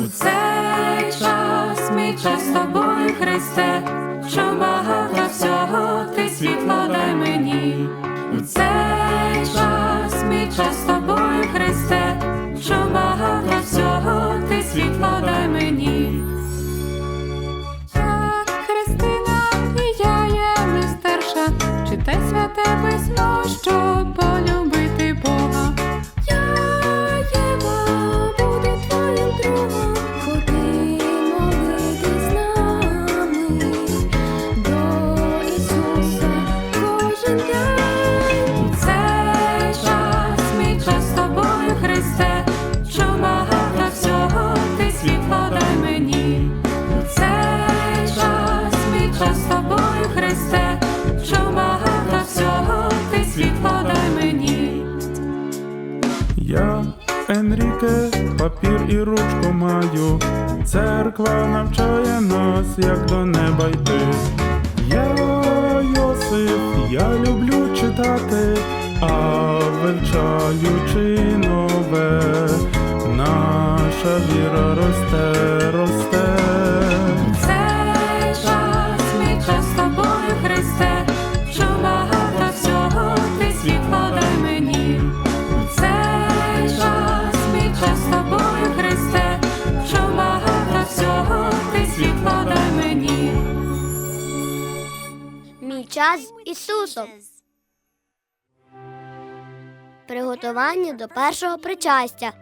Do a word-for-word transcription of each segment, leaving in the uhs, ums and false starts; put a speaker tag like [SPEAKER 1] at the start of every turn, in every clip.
[SPEAKER 1] цей час, мій час з тобою, Христе, що багато всього ти світло дай мені. У цей час, мій час з тобою, Христе, що багато всього ти світло дай мені. Я Христина, і я є мистерша, читай святе письмо, щоб полюбити Бога. Я Єва, буду твоїм другом, ходи молитись з нами до Ісуса кожен день. У цей час, мій час з тобою, Христе, що багато всього ти світло дай мені. У цей час, мій час з тобою, Христе, що багато всього ти світло дай мені.
[SPEAKER 2] Я, Енріке, папір і ручку маю. Церква навчає нас, як до неба йти. Я Йосип, я люблю читати, а вивчаючи нове, наша віра росте, росте.
[SPEAKER 1] Цей час, мій час з тобою, Христе, що багато всього ти світло дай мені. Цей час, мій час з тобою, Христе, що багато всього ти світло дай мені.
[SPEAKER 3] Мій час з Ісусом. Приготування до першого причастя.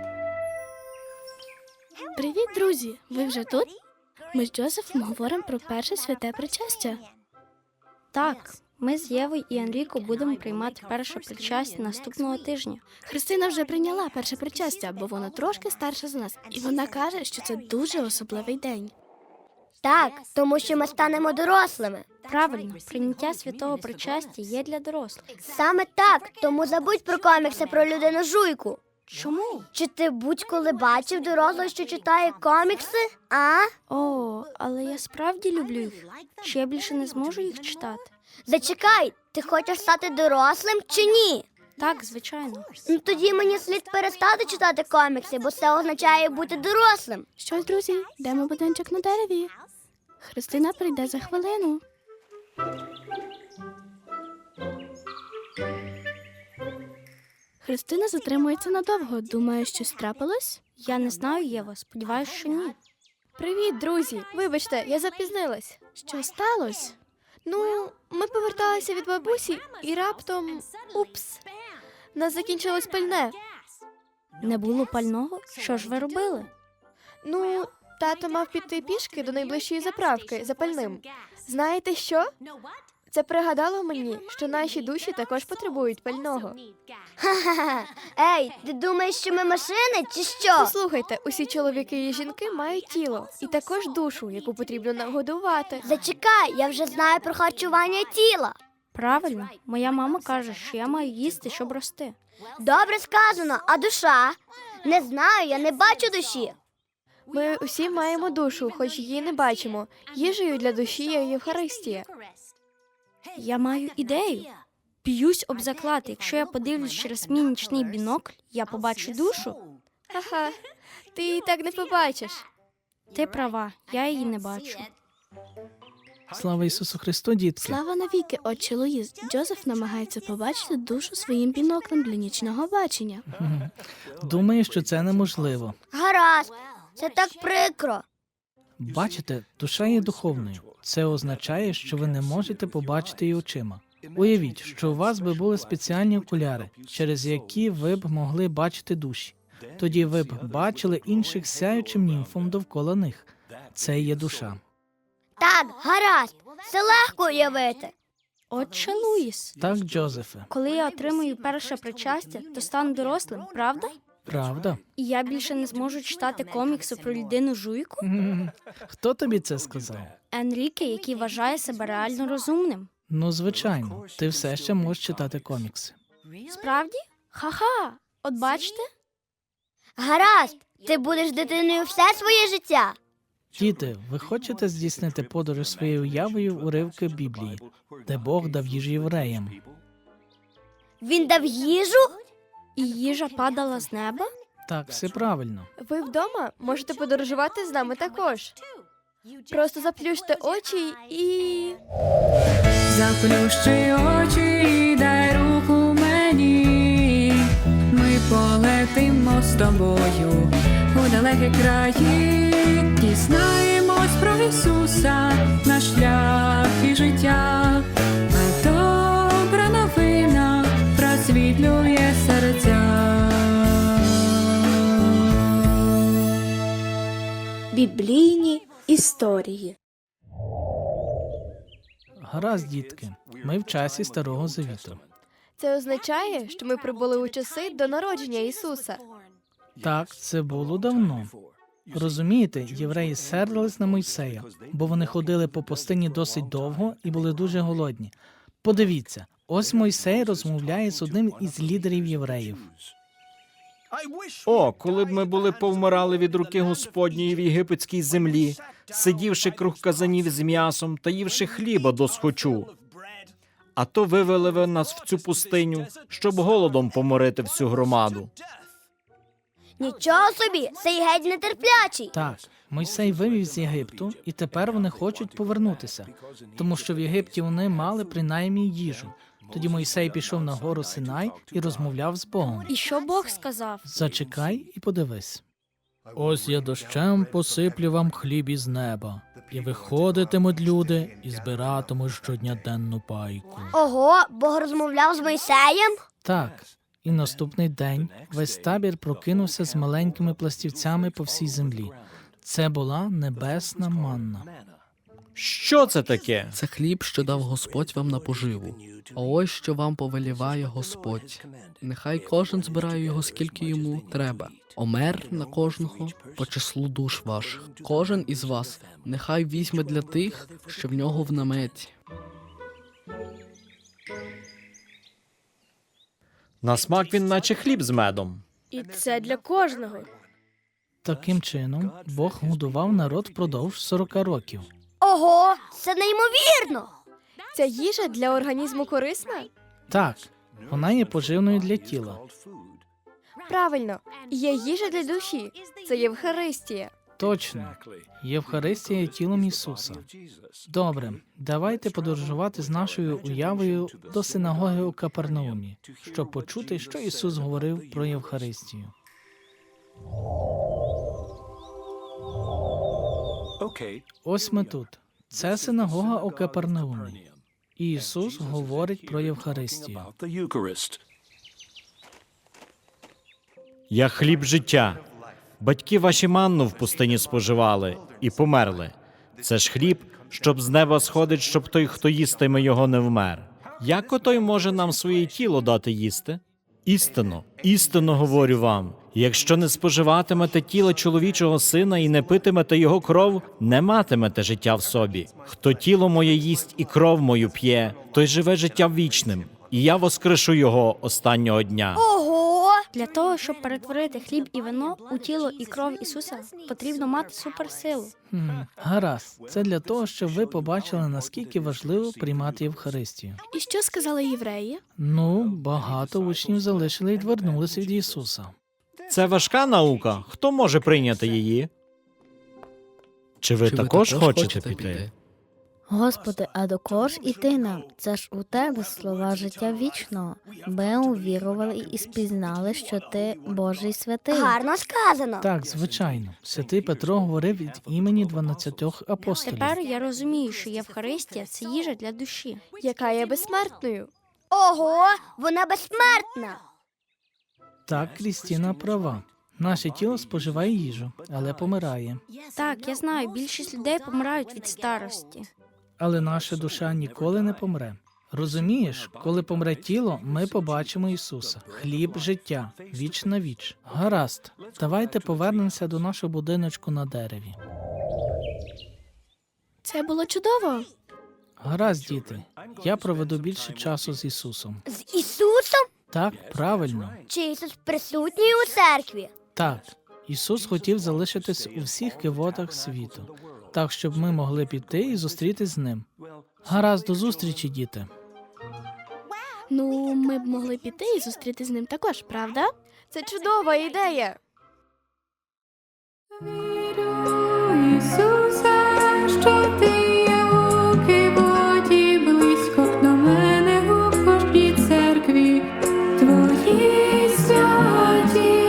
[SPEAKER 4] Привіт, друзі! Ви вже тут? Ми з Джозефом говоримо про перше святе причастя.
[SPEAKER 5] Так, ми з Євою і Енріко будемо приймати перше причастя наступного тижня.
[SPEAKER 4] Христина вже прийняла перше причастя, бо вона трошки старша за нас, і вона каже, що це дуже особливий день.
[SPEAKER 3] Так, тому що ми станемо дорослими.
[SPEAKER 5] Правильно, прийняття святого причастя є для дорослих.
[SPEAKER 3] Саме так, тому забудь про комікси про людину жуйку.
[SPEAKER 5] Чому?
[SPEAKER 3] Чи ти будь-коли бачив дорослого, що читає комікси? А?
[SPEAKER 5] О, але я справді люблю їх. Чи я більше не зможу їх читати?
[SPEAKER 3] Зачекай, ти хочеш стати дорослим чи ні?
[SPEAKER 5] Так, звичайно.
[SPEAKER 3] Ну тоді мені слід перестати читати комікси, бо це означає бути дорослим.
[SPEAKER 4] Що ж, друзі, йдемо в будиночок на дереві. Христина прийде за хвилину. Христина затримується надовго. Думає, щось трапилось?
[SPEAKER 5] Я не знаю, Єва, сподіваюся, що ні.
[SPEAKER 6] Привіт, друзі! Вибачте, я запізнилась.
[SPEAKER 4] Що сталося?
[SPEAKER 6] Ну, ми поверталися від бабусі і раптом... Упс! У нас закінчилось пальне.
[SPEAKER 5] Не було пального? Що ж ви робили?
[SPEAKER 6] Ну, тато мав піти пішки до найближчої заправки за пальним. Знаєте що? Це пригадало мені, що наші душі також потребують пального.
[SPEAKER 3] Ха-ха-ха. Ей, ти думаєш, що ми машини чи що?
[SPEAKER 6] Послухайте, усі чоловіки і жінки мають тіло і також душу, яку потрібно нагодувати.
[SPEAKER 3] Зачекай, я вже знаю про харчування тіла.
[SPEAKER 5] Правильно, моя мама каже, що я маю їсти, щоб рости.
[SPEAKER 3] Добре сказано, а душа? Не знаю, я не бачу душі.
[SPEAKER 6] Ми усі маємо душу, хоч її не бачимо. Їжею для душі є Євхаристія.
[SPEAKER 5] Я маю ідею. Б'юсь об заклад, якщо я подивлюсь через мій нічний бінокль, я побачу душу.
[SPEAKER 6] Ха-ха, ти її так не побачиш.
[SPEAKER 5] Ти права, я її не бачу.
[SPEAKER 7] Слава Ісусу Христу, дітки!
[SPEAKER 4] Слава навіки, отче Луїс. Джозеф намагається побачити душу своїм біноклем для нічного бачення.
[SPEAKER 7] Думаю, що це неможливо.
[SPEAKER 3] Гаразд, це так прикро.
[SPEAKER 7] Бачите, душа є духовною. Це означає, що ви не можете побачити її очима. Уявіть, що у вас би були спеціальні окуляри, через які ви б могли бачити душі. Тоді ви б бачили інших сяючим німфом довкола них. Це є душа.
[SPEAKER 3] Так, гаразд, це легко уявити.
[SPEAKER 5] Отче Луїс,
[SPEAKER 7] Так, Джозефе,
[SPEAKER 5] коли я отримую перше причастя, то стану дорослим, правда?
[SPEAKER 7] правда?
[SPEAKER 5] І я більше не зможу читати комікси про людину жуйку?
[SPEAKER 7] М, Хто тобі це сказав?
[SPEAKER 5] Енріке, який вважає себе реально розумним.
[SPEAKER 7] Ну, звичайно, ти все ще можеш читати комікси.
[SPEAKER 5] Справді? Ха-ха! От бачите?
[SPEAKER 3] Гаразд, ти будеш дитиною все своє життя.
[SPEAKER 7] Діти, ви хочете здійснити подорож своєю уявою в уривки Біблії, де Бог дав їжу євреям?
[SPEAKER 3] Він дав їжу?
[SPEAKER 5] І їжа падала з неба?
[SPEAKER 7] Так, все правильно.
[SPEAKER 6] Ви вдома можете подорожувати з нами також. Просто заплющте очі і.
[SPEAKER 1] Заплющи очі і дай руку мені. Ми полетимо з тобою у далекі краї. Дізнаємось про Ісуса, наш шлях і життя. А добра новина просвітлює серця.
[SPEAKER 4] Біблійні історії.
[SPEAKER 7] Гаразд, дітки, ми в часі Старого Завіту.
[SPEAKER 6] Це означає, що ми прибули у часи до народження Ісуса.
[SPEAKER 7] Так, це було давно. Розумієте, євреї сердились на Мойсея, бо вони ходили по пустині досить довго і були дуже голодні. Подивіться, ось Мойсей розмовляє з одним із лідерів євреїв.
[SPEAKER 8] О, коли б ми були повмирали від руки Господньої в єгипетській землі, сидівши круг казанів з м'ясом та ївши хліба досхочу. А то вивели ви нас в цю пустиню, щоб голодом поморити всю громаду.
[SPEAKER 3] Нічого собі, цей геть нетерплячий.
[SPEAKER 7] Так, Мойсей вивів з Єгипту, і тепер вони хочуть повернутися, тому що в Єгипті вони мали принаймні їжу. Тоді Мойсей пішов на гору Синай і розмовляв з Богом.
[SPEAKER 5] І що Бог сказав?
[SPEAKER 7] Зачекай і подивись. Ось я дощем посиплю вам хліб із неба, і виходитимуть люди і збиратимуть щодня денну пайку.
[SPEAKER 3] Ого, Бог розмовляв з Мойсеєм?
[SPEAKER 7] Так, і наступний день весь табір прокинувся з маленькими пластівцями по всій землі. Це була небесна манна.
[SPEAKER 8] Що це таке?
[SPEAKER 9] Це хліб, що дав Господь вам на поживу. А ось що вам повеліває Господь. Нехай кожен збирає його, скільки йому треба. Омер на кожного по числу душ ваших. Кожен із вас нехай візьме для тих, що в нього в наметі.
[SPEAKER 8] На смак він наче хліб з медом.
[SPEAKER 6] І це для кожного.
[SPEAKER 7] Таким чином, Бог годував народ впродовж сорока років.
[SPEAKER 3] Ого, це неймовірно.
[SPEAKER 6] Ця їжа для організму корисна?
[SPEAKER 7] Так, вона є поживною для тіла.
[SPEAKER 6] Правильно, є їжа для душі. Це Євхаристія.
[SPEAKER 7] Точно. Євхаристія є тілом Ісуса. Добре, давайте подорожувати з нашою уявою до синагоги у Капернаумі, щоб почути, що Ісус говорив про Євхаристію. Ось ми тут. Це синагога у Капернаумі. І Ісус говорить про Євхаристію.
[SPEAKER 8] Я хліб життя. Батьки ваші манну в пустині споживали і померли. Це ж хліб, щоб з неба сходить, щоб той, хто їстиме його, не вмер. Як отой може нам своє тіло дати їсти? Істинно, істинно говорю вам, якщо не споживатимете тіла чоловічого сина і не питимете його кров, не матимете життя в собі. Хто тіло моє їсть і кров мою п'є, той живе життям вічним, і я воскрешу його останнього дня.
[SPEAKER 3] Ого!
[SPEAKER 5] Для того, щоб перетворити хліб і вино у тіло і кров Ісуса, потрібно мати суперсилу.
[SPEAKER 7] Хм, гаразд. Це для того, щоб ви побачили, наскільки важливо приймати Євхаристію.
[SPEAKER 4] І що сказали євреї?
[SPEAKER 7] Ну, багато учнів залишили і відвернулися від Ісуса.
[SPEAKER 8] Це важка наука. Хто може прийняти її? Чи ви
[SPEAKER 9] Чи
[SPEAKER 8] також хочете піти?
[SPEAKER 10] Господи, а до кого ж іти нам? Це ж у тебе слова життя вічного. Ми увірували і спізнали, що ти Божий святий.
[SPEAKER 3] Гарно сказано.
[SPEAKER 7] Так, звичайно. Святий Петро говорив від імені дванадцятьох апостолів.
[SPEAKER 5] Тепер я розумію, що Євхаристія – це їжа для душі.
[SPEAKER 6] Яка є безсмертною.
[SPEAKER 3] Ого, вона безсмертна.
[SPEAKER 7] Так, Крістіна права. Наше тіло споживає їжу, але помирає.
[SPEAKER 5] Так, я знаю, більшість людей помирають від старості.
[SPEAKER 7] Але наша душа ніколи не помре. Розумієш, коли помре тіло, ми побачимо Ісуса. Хліб життя, віч на віч. Гаразд, давайте повернемося до нашого будиночку на дереві.
[SPEAKER 4] Це було чудово.
[SPEAKER 7] Гаразд, діти, я проведу більше часу з Ісусом.
[SPEAKER 3] З Ісусом?
[SPEAKER 7] Так, правильно.
[SPEAKER 3] Чи Ісус присутній у церкві?
[SPEAKER 7] Так, Ісус хотів залишитись у всіх кивотах світу, так, щоб ми могли піти і зустрітись з Ним. Гаразд, до зустрічі, діти.
[SPEAKER 4] Ну, ми б могли піти і зустріти з ним також, правда?
[SPEAKER 6] Це чудова ідея.
[SPEAKER 1] Вірю, Ісусе, що ти є у кивоті, близько до мене у кожній церкві твої святі.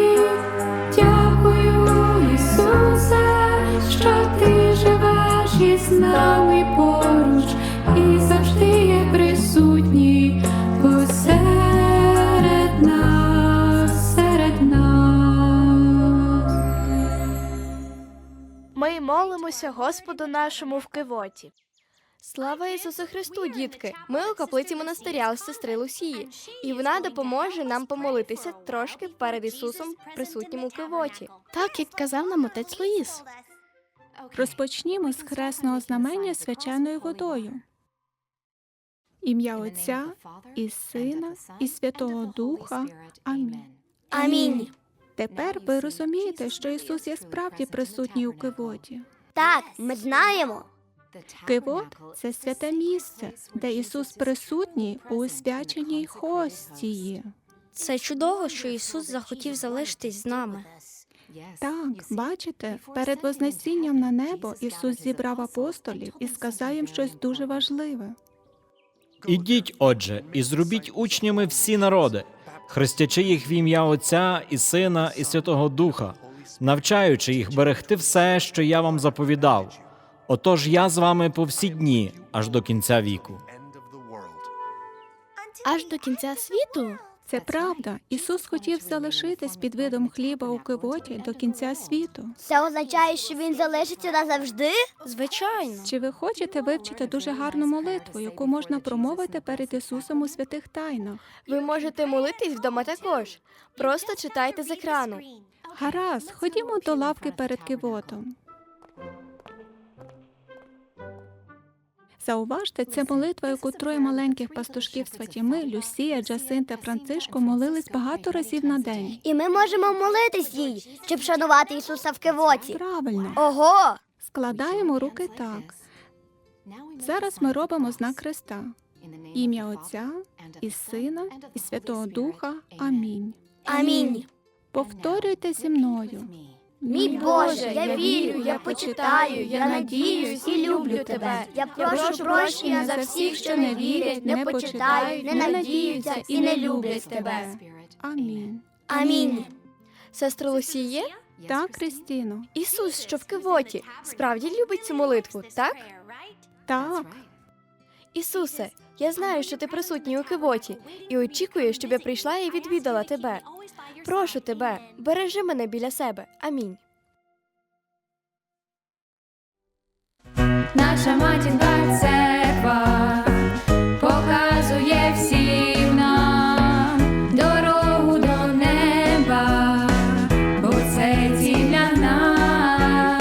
[SPEAKER 1] Дякую, Ісусе, що ти живеш із нами поруч і завжди є присутній посеред нас, серед нас.
[SPEAKER 6] Ми молимося Господу нашому в Кивоті. Слава Ісусу Христу, дітки! Ми у каплиці монастиря сестри Лусії, і вона допоможе нам помолитися трошки перед Ісусом, присутнім у Кивоті.
[SPEAKER 4] Так, як казав нам отець Луїс.
[SPEAKER 11] Розпочнімо з хресного знамення свяченою водою. Ім'я Отця і Сина і Святого Духа. Амінь.
[SPEAKER 3] Амінь.
[SPEAKER 11] Тепер ви розумієте, що Ісус є справді присутній у Кивоті.
[SPEAKER 3] Так, ми знаємо.
[SPEAKER 11] Кивот – це святе місце, де Ісус присутній у свяченій хостії.
[SPEAKER 5] Це чудово, що Ісус захотів залишитись з нами.
[SPEAKER 11] Так, бачите, перед Вознесінням на небо Ісус зібрав апостолів і сказав їм щось дуже важливе.
[SPEAKER 8] Ідіть, отже, і зробіть учнями всі народи, хрестячи їх в ім'я Отця і Сина і Святого Духа, навчаючи їх берегти все, що я вам заповідав. Отож я з вами по всі дні, аж до кінця віку.
[SPEAKER 4] Аж до кінця світу?
[SPEAKER 11] Це правда. Ісус хотів залишитись під видом хліба у Кивоті до кінця світу.
[SPEAKER 3] Це означає, що він залишиться назавжди?
[SPEAKER 5] Звичайно.
[SPEAKER 11] Чи ви хочете вивчити дуже гарну молитву, яку можна промовити перед Ісусом у святих тайнах?
[SPEAKER 6] Ви можете молитись вдома також. Просто читайте з екрану.
[SPEAKER 11] Гаразд, ходімо до лавки перед Кивотом. Зауважте, це молитва, яку троє маленьких пастушків з Фатіми, Люсія, Джасин та Францишко молились багато разів на день.
[SPEAKER 3] І ми можемо молитись їй, щоб шанувати Ісуса в Кивоті.
[SPEAKER 11] Правильно.
[SPEAKER 3] Ого!
[SPEAKER 11] Складаємо руки так. Зараз ми робимо знак Христа. Ім'я Отця і Сина і Святого Духа. Амінь.
[SPEAKER 3] Амінь.
[SPEAKER 11] Повторюйте зі мною.
[SPEAKER 3] Мій Боже, я вірю, я почитаю, я надіюсь і люблю Тебе. Я прошу прощення за всіх, що не вірять, не почитають, не надіються і не люблять Тебе.
[SPEAKER 11] Амінь.
[SPEAKER 3] Амінь.
[SPEAKER 6] Сестра Лусіє?
[SPEAKER 11] Так, Крістіно.
[SPEAKER 6] Ісус, що в Кивоті, справді любить цю молитву, так?
[SPEAKER 11] Так.
[SPEAKER 6] Ісусе, я знаю, що ти присутній у Кивоті, і очікую, щоб я прийшла і відвідала тебе. Прошу тебе, бережи мене біля себе. Амінь.
[SPEAKER 1] Наша матінка церква показує всім нам дорогу до неба, бо це ціль для нас.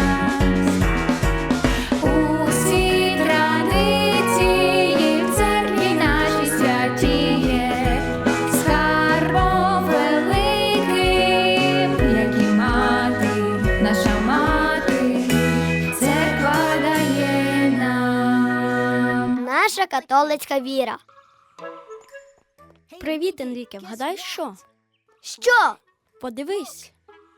[SPEAKER 1] Усі традиції в церкві нашій святіє, скарбом великим, як і мати, наша мати, церква дає нам.
[SPEAKER 3] Наша католицька віра.
[SPEAKER 5] Привіт, Енріке, вгадай що?
[SPEAKER 3] Що?
[SPEAKER 5] Подивись.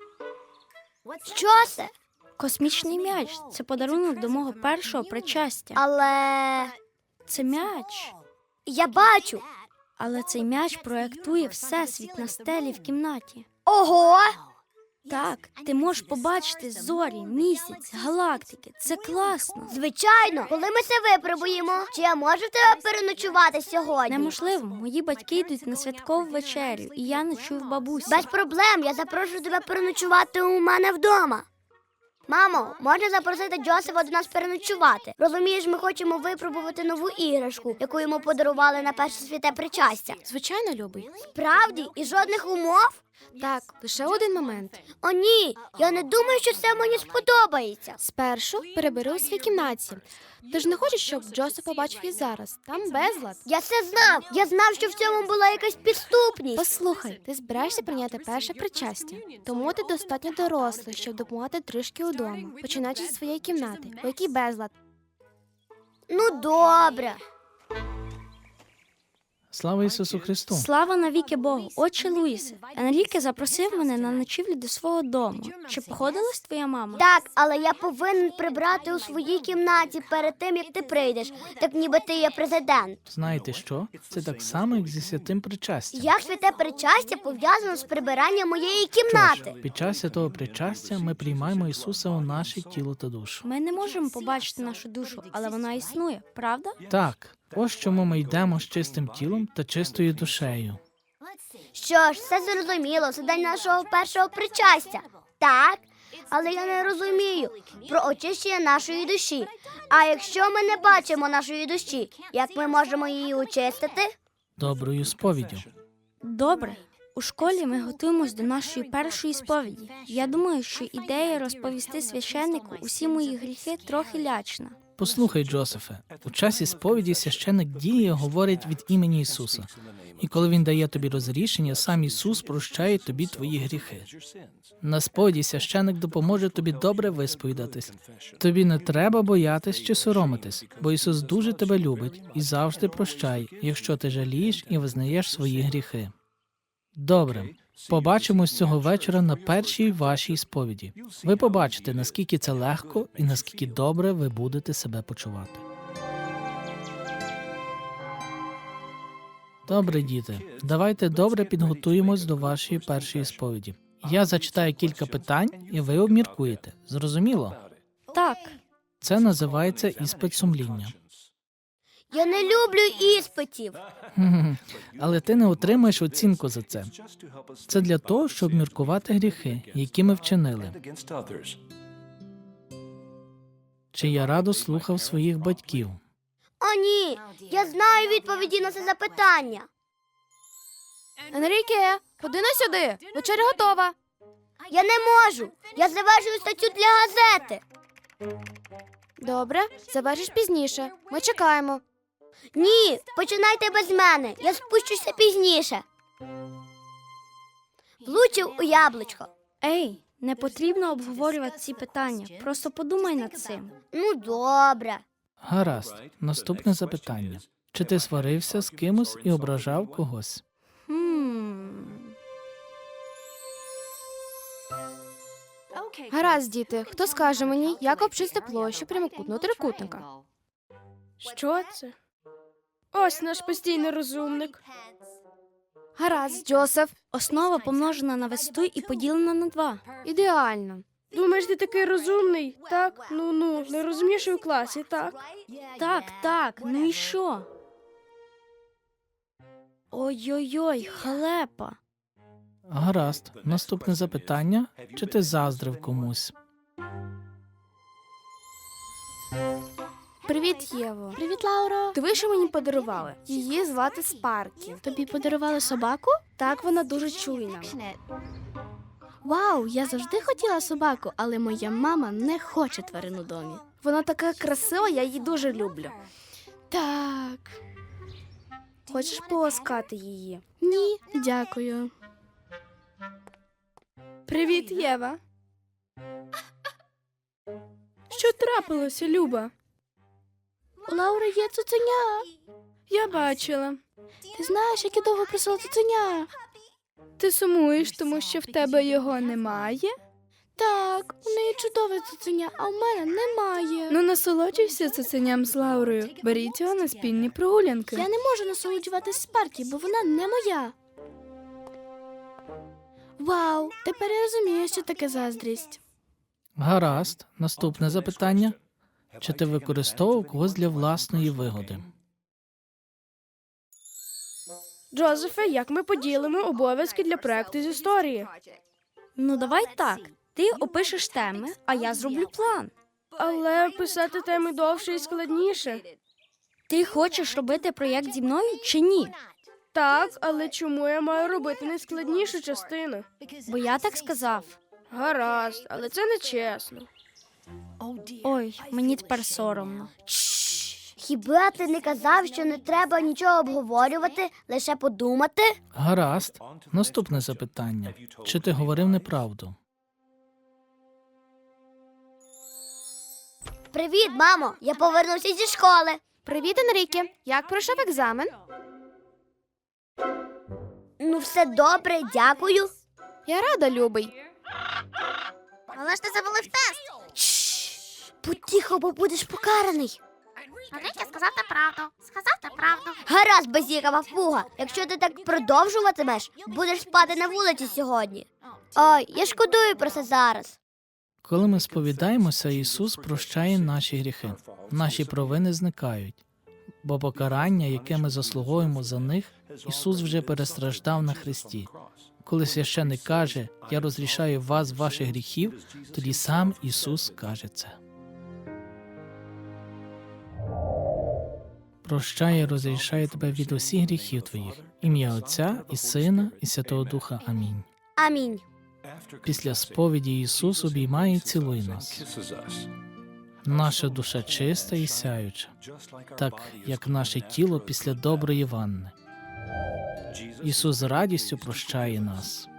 [SPEAKER 3] Що це?
[SPEAKER 5] Космічний м'яч – це подарунок до мого першого причастя.
[SPEAKER 3] Але
[SPEAKER 5] Це м'яч.
[SPEAKER 3] я бачу.
[SPEAKER 5] Але цей м'яч проєктує всесвіт на стелі в кімнаті.
[SPEAKER 3] Ого!
[SPEAKER 5] Так, ти можеш побачити зорі, місяць, галактики. Це класно.
[SPEAKER 3] Звичайно, коли ми це випробуємо, чи я можу в тебе переночувати сьогодні?
[SPEAKER 5] Неможливо, мої батьки йдуть на святкову вечерю, і я ночую в бабусі.
[SPEAKER 3] Без проблем, я запрошу тебе переночувати у мене вдома. Мамо, можна запросити Джосефа до нас переночувати? Розумієш, ми хочемо випробувати нову іграшку, яку йому подарували на перше святе причастя.
[SPEAKER 4] Звичайно, любий.
[SPEAKER 3] Справді? І жодних умов?
[SPEAKER 6] Так, лише один момент.
[SPEAKER 3] О, ні, я не думаю, що це мені сподобається.
[SPEAKER 6] Спершу перебери у своїй кімнаті. Ти ж не хочеш, щоб Джосеф побачив і зараз. Там безлад.
[SPEAKER 3] Я це знав. Я знав, що в цьому була якась підступність.
[SPEAKER 6] Послухай, ти збираєшся прийняти перше причастя, тому ти достатньо дорослий, щоб допомагати трішки удома, починаючи зі своєї кімнати, у якій безлад.
[SPEAKER 3] Ну, добре.
[SPEAKER 7] Слава Ісусу Христу!
[SPEAKER 5] Слава навіки Богу! Отче Луїсе, Енріке запросив мене на ночівлю до свого дому. Чи походилась твоя мама?
[SPEAKER 3] Так, але я повинен прибрати у своїй кімнаті перед тим, як ти прийдеш, так ніби ти є президент.
[SPEAKER 7] Знаєте що? Це так само, як зі святим причастям.
[SPEAKER 3] Як святе причастя пов'язано з прибиранням моєї
[SPEAKER 7] Що
[SPEAKER 3] кімнати?
[SPEAKER 7] ж, під час святого причастя ми приймаємо Ісуса у наше тіло та душу.
[SPEAKER 5] Ми не можемо побачити нашу душу, але вона існує, правда?
[SPEAKER 7] Так, ось чому ми йдемо з чистим тілом та чистою душею.
[SPEAKER 3] Що ж, все зрозуміло, це день нашого першого причастя. Так, але я не розумію про очищення нашої душі. А якщо ми не бачимо нашої душі, як ми можемо її очистити?
[SPEAKER 7] Доброю сповіддю.
[SPEAKER 5] Добре. У школі ми готуємось до нашої першої сповіді. Я думаю, що ідея розповісти священнику усі мої гріхи трохи лячна.
[SPEAKER 7] Послухай, Джозефе, у часі сповіді священик діє, говорить від імені Ісуса. І коли Він дає тобі розрішення, сам Ісус прощає тобі твої гріхи. На сповіді священик допоможе тобі добре висповідатись. Тобі не треба боятись чи соромитись, бо Ісус дуже тебе любить і завжди прощає, якщо ти жалієш і визнаєш свої гріхи. Добре. Побачимось цього вечора на першій вашій сповіді. Ви побачите, наскільки це легко і наскільки добре ви будете себе почувати. Добре, діти, давайте добре підготуємось до вашої першої сповіді. Я зачитаю кілька питань, і ви обміркуєте. Зрозуміло?
[SPEAKER 5] Так,
[SPEAKER 7] Це називається іспит сумління.
[SPEAKER 3] Я не люблю іспитів.
[SPEAKER 7] Хм, Але ти не отримаєш оцінку за це. Це для того, щоб міркувати гріхи, які ми вчинили. Чи я радо слухав своїх батьків?
[SPEAKER 3] О, ні, я знаю відповіді на це запитання.
[SPEAKER 6] Енріке, ходи на сюди. Вечеря готова.
[SPEAKER 3] Я не можу. Я завершую статтю для газети.
[SPEAKER 6] Добре, завершиш пізніше. Ми чекаємо.
[SPEAKER 3] Ні, починайте без мене. Я спущуся пізніше. Влучив у яблучко.
[SPEAKER 5] ей, не потрібно обговорювати ці питання. Просто подумай над цим.
[SPEAKER 3] Ну, добре.
[SPEAKER 7] Гаразд. Наступне запитання. Чи ти сварився з кимось і ображав когось?
[SPEAKER 5] Хм.
[SPEAKER 6] Гаразд, діти. Хто скаже мені, як обчисти площу прямокутного трикутника?
[SPEAKER 12] Що це? Ось наш постійний розумник.
[SPEAKER 6] Гаразд, Джозеф.
[SPEAKER 5] Основа помножена на висоту і поділена на два.
[SPEAKER 6] Ідеально.
[SPEAKER 12] Думаєш, ти такий розумний? Так? Ну-ну, найрозумніший у класі, так?
[SPEAKER 5] Так, так, ну і що? Ой-ой-ой, халепа.
[SPEAKER 7] Гаразд. Наступне запитання. Чи ти заздрив комусь?
[SPEAKER 6] Привіт, Єво.
[SPEAKER 5] Привіт, Лауро.
[SPEAKER 6] Диви, що мені подарували. Її звати Спаркі.
[SPEAKER 5] Тобі подарували собаку?
[SPEAKER 6] Так, вона дуже чуйна.
[SPEAKER 5] Вау, я завжди хотіла собаку, але моя мама не хоче тварин у домі.
[SPEAKER 6] Вона така красива, я її дуже люблю.
[SPEAKER 5] Так.
[SPEAKER 6] Хочеш поласкати її?
[SPEAKER 5] Ні, дякую.
[SPEAKER 12] Привіт, Єва. Що трапилося, Люба?
[SPEAKER 5] У Лаури є цуценя.
[SPEAKER 12] Я бачила.
[SPEAKER 5] Ти знаєш, як я довго просила цуценя?
[SPEAKER 12] Ти сумуєш, тому що в тебе його немає?
[SPEAKER 5] Так, у неї чудове цуценя, а в мене немає.
[SPEAKER 12] Ну, насолоджуйся цуценям з Лаурою. Беріть його на спільні прогулянки.
[SPEAKER 5] Я не можу насолоджуватись Спаркі, бо вона не моя. Вау, тепер я розумію, що таке заздрість.
[SPEAKER 7] Гаразд. Наступне запитання. Чи ти використовував когось для власної вигоди?
[SPEAKER 12] Джозефе, як ми поділимо обов'язки для проекту з історії?
[SPEAKER 5] Ну, давай так. Ти опишеш теми, а я зроблю план.
[SPEAKER 12] Але писати теми довше і складніше.
[SPEAKER 5] Ти хочеш робити проєкт зі мною чи ні?
[SPEAKER 12] Так, але чому я маю робити найскладнішу частину?
[SPEAKER 5] Бо я так сказав.
[SPEAKER 12] Гаразд, але це не чесно.
[SPEAKER 5] Ой, мені тепер соромно.
[SPEAKER 3] Хіба ти не казав, що не треба нічого обговорювати, лише подумати?
[SPEAKER 7] Гаразд. Наступне запитання. Чи ти говорив неправду?
[SPEAKER 3] Привіт, мамо! Я повернувся зі школи.
[SPEAKER 6] Привіт, Енріке. Як пройшов екзамен?
[SPEAKER 3] Ну все добре, дякую.
[SPEAKER 6] Я рада, любий.
[SPEAKER 3] Але ж ти завалив тест. Чш, будь тихо, бо будеш покараний.
[SPEAKER 13] Енріке сказав ти правду. Сказав ти правду.
[SPEAKER 3] Гаразд, безігава фуга. Якщо ти так продовжуватимеш, будеш спати на вулиці сьогодні. Ой, я шкодую про це зараз.
[SPEAKER 7] Коли ми сповідаємося, Ісус прощає наші гріхи. Наші провини зникають. Бо покарання, яке ми заслуговуємо за них, Ісус вже перестраждав на хресті. Коли священник каже «Я розрішаю вас ваших гріхів», тоді сам Ісус каже це. Прощає, розрішає тебе від усіх гріхів твоїх. Ім'я Отця і Сина і Святого Духа. Амінь.
[SPEAKER 3] Амінь.
[SPEAKER 7] Після сповіді Ісус обіймає і цілує нас. Наша душа чиста і сяюча, так як наше тіло після доброї ванни. Ісус з радістю прощає нас.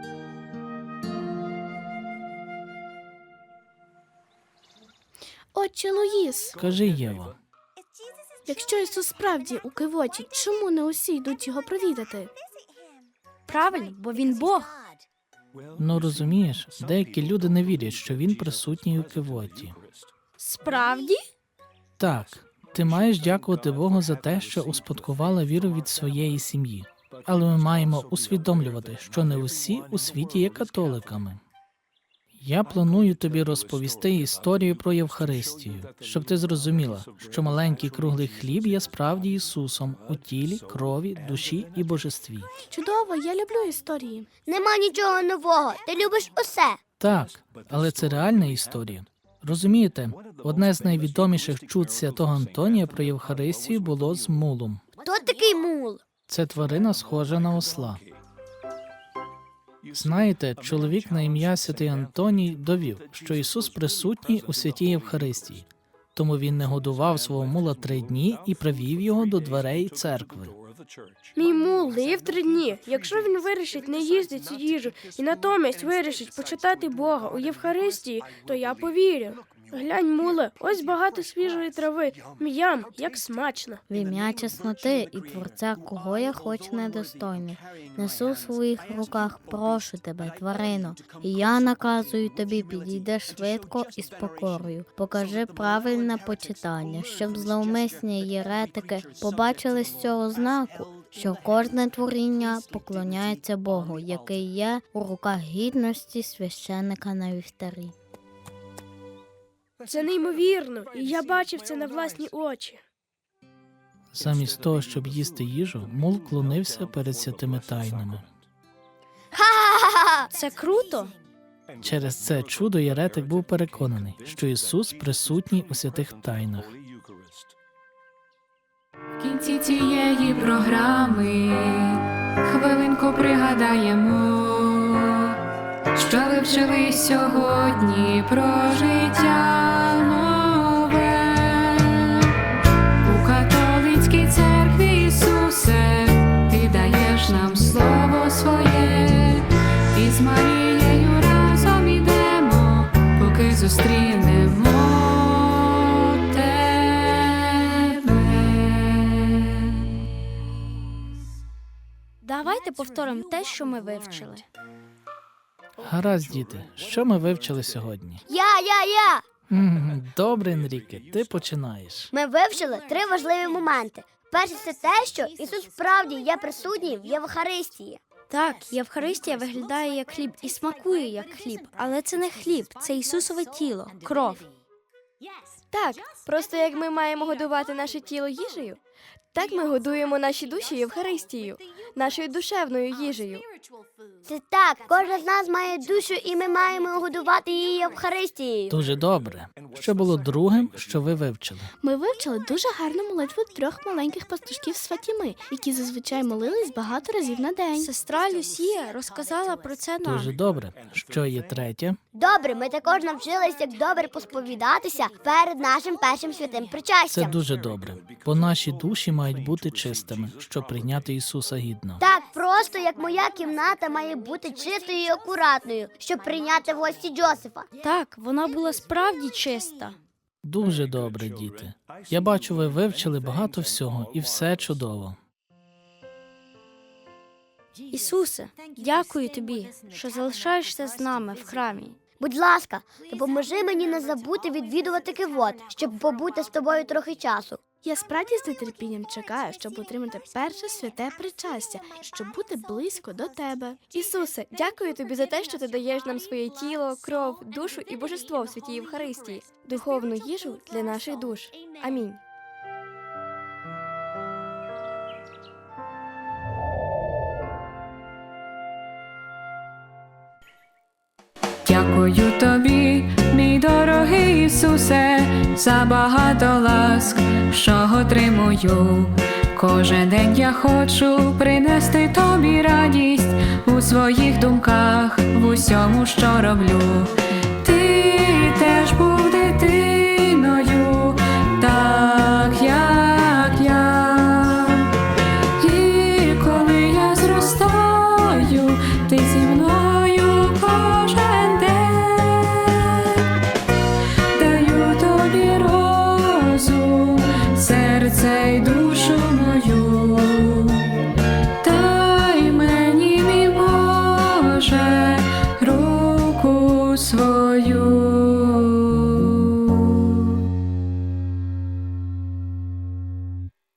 [SPEAKER 4] Отче Луїс,
[SPEAKER 7] Кажи, Єва,
[SPEAKER 4] якщо Ісус справді у кивоті, чому не усі йдуть його провідати?
[SPEAKER 5] Правильно, бо він Бог.
[SPEAKER 7] ну розумієш, деякі люди не вірять, що Він присутній у кивоті.
[SPEAKER 5] Справді?
[SPEAKER 7] Так, ти маєш дякувати Богу за те, що успадкувала віру від своєї сім'ї. Але ми маємо усвідомлювати, що не усі у світі є католиками. Я планую тобі розповісти історію про Євхаристію, щоб ти зрозуміла, що маленький круглий хліб є справді Ісусом у тілі, крові, душі і божестві.
[SPEAKER 4] Чудово, я люблю історії.
[SPEAKER 3] Нема нічого нового. Ти любиш усе.
[SPEAKER 7] Так, але це реальна історія. Розумієте, одне з найвідоміших чуд святого Антонія про Євхаристію було з мулом.
[SPEAKER 3] Хто такий мул?
[SPEAKER 7] Це тварина, схожа на осла. Знаєте, чоловік на ім'я Святий Антоній довів, що Ісус присутній у святій Євхаристії, тому він не годував свого мула три дні і привів його до дверей церкви.
[SPEAKER 12] Мій мул не їв три дні. Якщо він вирішить не їсти цю їжу і натомість вирішить почитати Бога у Євхаристії, то я повірю. Глянь, муле, ось багато свіжої трави. М'ям, як смачно.
[SPEAKER 10] В ім'я чесноти і Творця, кого я хоч недостойний, несу в своїх руках, прошу тебе, тварино, і я наказую тобі, підійди швидко і з покорою. Покажи правильне почитання, щоб зловмисні єретики побачили з цього знаку, що кожне творіння поклоняється Богу, який є у руках гідності священника на вівтарі.
[SPEAKER 12] Це неймовірно, і я бачив це на власні очі.
[SPEAKER 7] Замість того, щоб їсти їжу, мул клонився перед святими тайнами.
[SPEAKER 3] Ха-ха-ха!
[SPEAKER 5] Це круто.
[SPEAKER 7] Через це чудо єретик був переконаний, що Ісус присутній у святих тайнах.
[SPEAKER 1] В кінці цієї програми хвилинку пригадаємо, що ви вчили сьогодні про життя нове. У католицькій церкві, Ісусе, ти даєш нам слово своє, і з Марією разом ідемо, поки зустрінемо тебе.
[SPEAKER 5] Давайте повторимо те, що ми вивчили.
[SPEAKER 7] Гаразд, діти, що ми вивчили сьогодні?
[SPEAKER 3] Я, я, я!
[SPEAKER 7] М, Добре, Енріке, ти починаєш.
[SPEAKER 3] Ми вивчили три важливі моменти. Перше – це те, що Ісус справді є присутній в Євхаристії.
[SPEAKER 5] Так, Євхаристія виглядає як хліб і смакує як хліб, але це не хліб, це Ісусове тіло, кров.
[SPEAKER 6] Так, просто як ми маємо годувати наше тіло їжею, так ми годуємо наші душі Євхаристією, нашою душевною їжею.
[SPEAKER 3] Це так, кожен з нас має душу, і ми маємо годувати її Євхаристією.
[SPEAKER 7] Дуже добре. Що було другим, що ви вивчили?
[SPEAKER 4] Ми вивчили дуже гарну молитву трьох маленьких пастушків з Фатіми, які зазвичай молились багато разів на день.
[SPEAKER 5] Сестра Люсія розказала про це нам.
[SPEAKER 7] Дуже добре. Що є третє?
[SPEAKER 3] Добре, ми також навчились, як добре посповідатися перед нашим першим святим
[SPEAKER 7] Це
[SPEAKER 3] причастям.
[SPEAKER 7] дуже добре, бо наші душі мають бути чистими, щоб прийняти Ісуса гідно.
[SPEAKER 3] Так просто, як моя кімната має бути чистою і акуратною, щоб прийняти в гості Джозефа.
[SPEAKER 5] Так, вона була справді чиста.
[SPEAKER 7] Дуже добре, діти. Я бачу, ви вивчили багато всього, і все чудово.
[SPEAKER 5] Ісусе, дякую тобі, що залишаєшся з нами в храмі.
[SPEAKER 3] Будь ласка, допоможи мені не забути відвідувати кивот, щоб побути з тобою трохи часу.
[SPEAKER 4] Я справді з нетерпінням чекаю, щоб отримати перше святе причастя, щоб бути близько до тебе.
[SPEAKER 6] Ісусе, дякую тобі за те, що ти даєш нам своє тіло, кров, душу і божество в святій Євхаристії, духовну їжу для наших душ. Амінь.
[SPEAKER 1] Дякую тобі, мій дорогий Ісусе, за багато ласк, що отримую. Кожен день я хочу принести тобі радість у своїх думках, в усьому, що роблю. Ти теж був дитиною, так як я. І коли я зростаю, ти зі мною кожен день. Даю тобі розум, серце й душу мою. Дай мені, мій Боже, руку свою.